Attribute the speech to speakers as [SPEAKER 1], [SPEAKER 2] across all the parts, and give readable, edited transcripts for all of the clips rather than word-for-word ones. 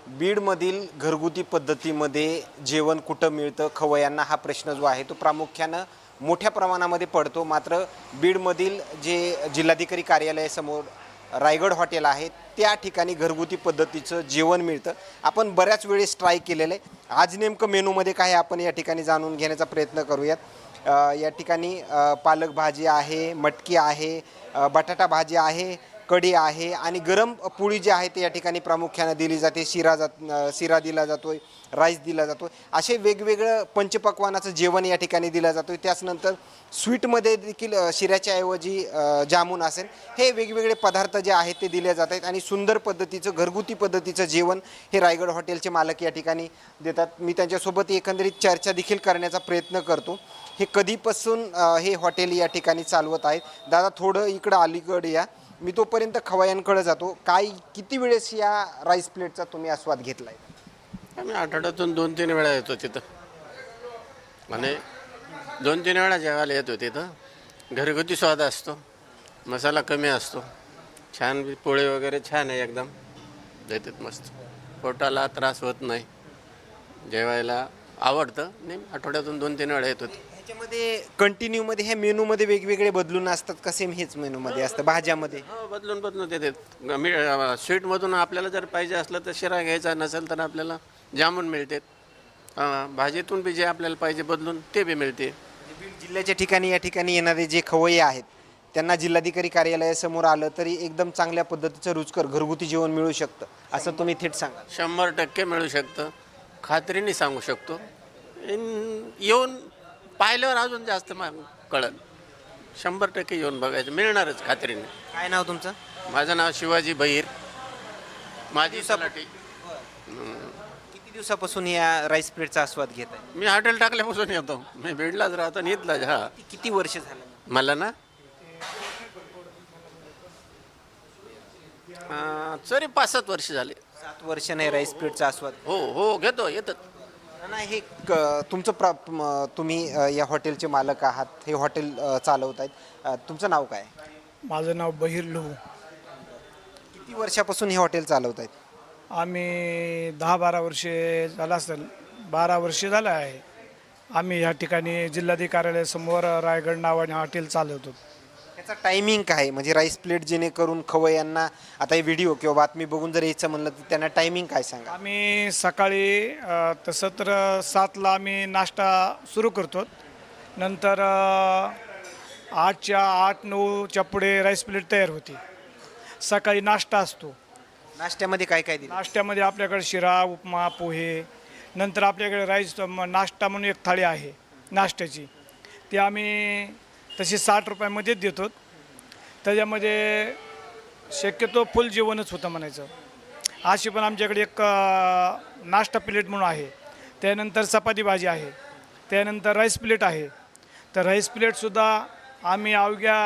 [SPEAKER 1] बीडमधील घरगुती पद्धतीमध्ये जेवण कुठं मिळतं खवय्यांना हा प्रश्न जो आहे तो प्रामुख्यानं मोठ्या प्रमाणामध्ये पडतो. मात्र बीडमधील जे जिल्हाधिकारी कार्यालयासमोर रायगड हॉटेल आहे त्या ठिकाणी घरगुती पद्धतीचं जेवण मिळतं. आपण बऱ्याच वेळेस ट्राय केलेलं आहे. आज नेमकं मेनूमध्ये काय आहे आपण या ठिकाणी जाणून घेण्याचा प्रयत्न करूयात. या ठिकाणी पालक भाजी आहे, मटकी आहे, बटाटा भाजी आहे, कढी आहे आणि गरम पोळी जी आहे ते या ठिकाणी प्रामुख्याने दिली जाते. शिरा दिला जातोय, राईस दिला जातो. असे वेगवेगळं पंचपक्वानाचं जेवण या ठिकाणी दिलं जातं. त्याचनंतर स्वीटमध्ये देखील शिऱ्याच्या ऐवजी जामून असेल हे वेगवेगळे पदार्थ जे आहेत ते दिले जात आहेत आणि सुंदर पद्धतीचं घरगुती पद्धतीचं जेवण हे रायगड हॉटेलचे मालक या ठिकाणी देतात. मी त्यांच्यासोबत एकंदरीत चर्चा देखील करण्याचा प्रयत्न करतो. हे कधीपासून हे हॉटेल या ठिकाणी चालवत आहेत? दादा थोडं इकडं अलीकडे या, मी तोपर्यंत खवय्यांकडे जातो. किती वेळेस या राईस प्लेटचा तुम्ही आस्वाद घेतला आहे?
[SPEAKER 2] आम्ही आठवड्यातून 2-3 वेळा येतो तिथं आणि 2-3 वेळा जेवायला येतो तिथं. घरगुती स्वाद असतो, मसाला कमी असतो, छान पोळे वगैरे छान आहे, एकदम देतात मस्त. पोटाला त्रास होत नाही, जेवायला आवडतं. नाही आठवड्यातून 2-3 वेळा येतो.
[SPEAKER 1] ह्याच्यामध्ये कंटिन्यूमध्ये ह्या मेनूमध्ये वेगवेगळे बदलून असतात का सेम हेच मेनूमध्ये असतं? भाज्यामध्ये
[SPEAKER 2] हो, बदलून देतात. स्वीटमधून आपल्याला जर पाहिजे असलं तर शिरा घ्यायचा, नसेल तर आपल्याला जामून मिळते. भाजीतून बी जे आपल्याला पाहिजे बदलून ते बी मिळते.
[SPEAKER 1] बीड जिल्ह्याच्या ठिकाणी या ठिकाणी येणारे जे खवय्ये आहेत त्यांना जिल्हाधिकारी कार्यालयासमोर आलं तरी एकदम चांगल्या पद्धतीचं रुचकर घरगुती जेवण मिळू शकतं असं तुम्ही थेट सांगा?
[SPEAKER 2] 100% मिळू शकतं, खात्रीने सांगू शकतो. येऊन पाहिल्यावर अजून जास्त कळलं. 100% येऊन बघायचं, मिळणारच खात्रीने.
[SPEAKER 1] काय नाव तुमचं?
[SPEAKER 2] माझं नाव शिवाजी बहिर, माझी सलाटी.
[SPEAKER 1] किती दिवसापासून या राईस प्लेटचा आस्वाद घेत आहे?
[SPEAKER 2] मी हॉटेल टाकल्यापासून येतो. मी बीडलाच राहतो आणि इथलाच. हा,
[SPEAKER 1] किती वर्ष झालं?
[SPEAKER 2] मला ना तरी 5-7 वर्ष झाले.
[SPEAKER 1] 7 वर्ष नाही राईस प्लेटचा आस्वाद?
[SPEAKER 2] हो घेतो, येतात.
[SPEAKER 1] नाही हे तुमचं तुम्ही या हॉटेलचे मालक आहात, हे हॉटेल चालवत आहेत. तुमचं नाव काय?
[SPEAKER 3] माझं नाव बहिर लहू.
[SPEAKER 1] किती वर्षापासून हे हॉटेल चालवत आहेत?
[SPEAKER 3] आम्ही 10-12 वर्षे झालं असेल, 12 वर्षे झालं आहे. आम्ही ह्या ठिकाणी जिल्हाधिकारी कार्यालयासमोर रायगड नावाने हॉटेल चालवतो.
[SPEAKER 1] त्याचा टायमिंग काय म्हणजे राईस प्लेट जेणेकरून खवय्यांना आता हे व्हिडिओ किंवा बातमी बघून जर यायचं म्हणलं तर त्यांना टायमिंग काय सांगा?
[SPEAKER 3] आम्ही सकाळी तसं तर 7ला आम्ही नाश्ता सुरू करतो. नंतर 8-9च्या पुढे राईस प्लेट तयार होती. सकाळी नाश्ता असतो.
[SPEAKER 1] नाश्त्यामध्ये काय काय दिलं?
[SPEAKER 3] नाश्त्यामध्ये आपल्याकडे शिरा, उपमा, पोहे. नंतर आपल्याकडे राईस नाश्ता म्हणून एक थाळी आहे नाश्त्याची, ती आम्ही तशी 60 रुपयामध्येच देतो. त्याच्यामध्ये शक्यतो फुल जेवणच होतं म्हणायचं. अशी पण आमच्याकडे एक नाश्ता प्लेट म्हणून आहे. त्यानंतर चपाती भाजी आहे. त्यानंतर राईस प्लेट आहे. तर राईस प्लेटसुद्धा आम्ही अवघ्या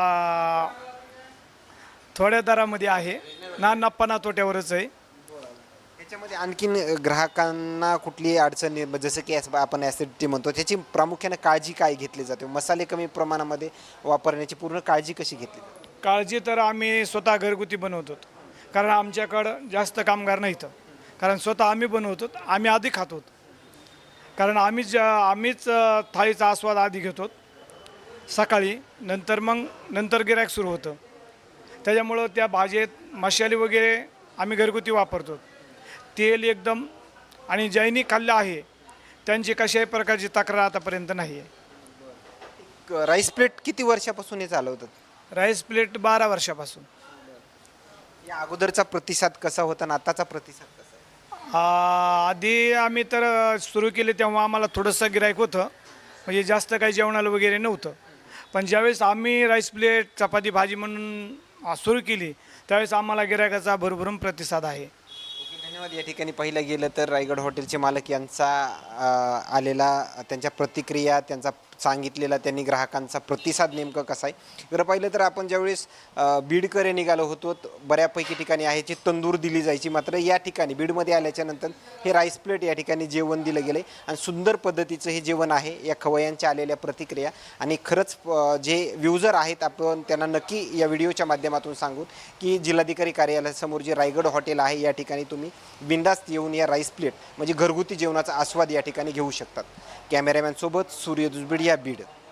[SPEAKER 3] थोड्या दरामध्ये आहे ना, नफा ना तोट्यावरच आहे.
[SPEAKER 1] त्याच्यामध्ये आणखीन ग्राहकांना कुठली अडचण जसं की आपण ॲसिडिटी म्हणतो त्याची प्रामुख्याने काळजी काय घेतली जाते? मसाले कमी प्रमाणामध्ये वापरण्याची पूर्ण काळजी कशी घेतली जाते?
[SPEAKER 3] काळजी तर आम्ही स्वतः घरगुती बनवतो, कारण आमच्याकडं जास्त कामगार नाहीत. कारण स्वतः आम्ही बनवतो, आम्ही आधी खातो. कारण आम्हीच थाळीचा आस्वाद आधी घेतो सकाळी, नंतर गिऱ्हाईक सुरू होतं. त्याच्यामुळं त्या भाजीत मसाले वगैरे आम्ही घरगुती वापरतो. तेल एकदम, आणि ज्यांनी खाल्लं आहे त्यांची कशाही प्रकारची तक्रार आतापर्यंत नाही आहे.
[SPEAKER 1] राईस प्लेट किती वर्षापासून हे चालवतात?
[SPEAKER 3] राईस प्लेट 12 वर्षापासून.
[SPEAKER 1] या अगोदरचा प्रतिसाद कसा होता आणि आताचा प्रतिसाद कसा आहे?
[SPEAKER 3] आधी आम्ही तर सुरू केले तेव्हा आम्हाला थोडंसं गिऱ्हाईक होतं, म्हणजे जास्त काही जेवणाला वगैरे नव्हतं. पण ज्यावेळेस आम्ही राईस प्लेट चपाती भाजी म्हणून सुरू केली त्यावेळेस आम्हाला गिऱ्हाईकाचा भरभरून प्रतिसाद आहे.
[SPEAKER 1] धन्यवाद. या ठिकाणी पाहिलं गेलं तर रायगड हॉटेलचे मालक यांचा आलेला त्यांच्या प्रतिक्रिया, त्यांचा सांगितलेला त्यांनी ग्राहकांचा प्रतिसाद नेमकं कसा आहे. जर पाहिलं तर आपण ज्यावेळेस बीडकडे निघालो होतो बऱ्यापैकी ठिकाणी आहे जी तंदूर दिली जायची, मात्र या ठिकाणी बीडमध्ये आल्याच्यानंतर हे राईस प्लेट या ठिकाणी जेवण दिलं गेलं आहे आणि सुंदर पद्धतीचं हे जेवण आहे. या खवय्यांच्या आलेल्या प्रतिक्रिया आणि खरंच जे व्ह्युजर आहेत आपण त्यांना नक्की या व्हिडिओच्या माध्यमातून सांगू की जिल्हाधिकारी कार्यालयासमोर जे रायगड हॉटेल आहे या ठिकाणी तुम्ही बिंदास्त येऊन या राईस प्लेट म्हणजे घरगुती जेवणाचा आस्वाद या ठिकाणी घेऊ शकतात. कॅमेरामॅन सोबत सूर्य दुसबिडिया बीड.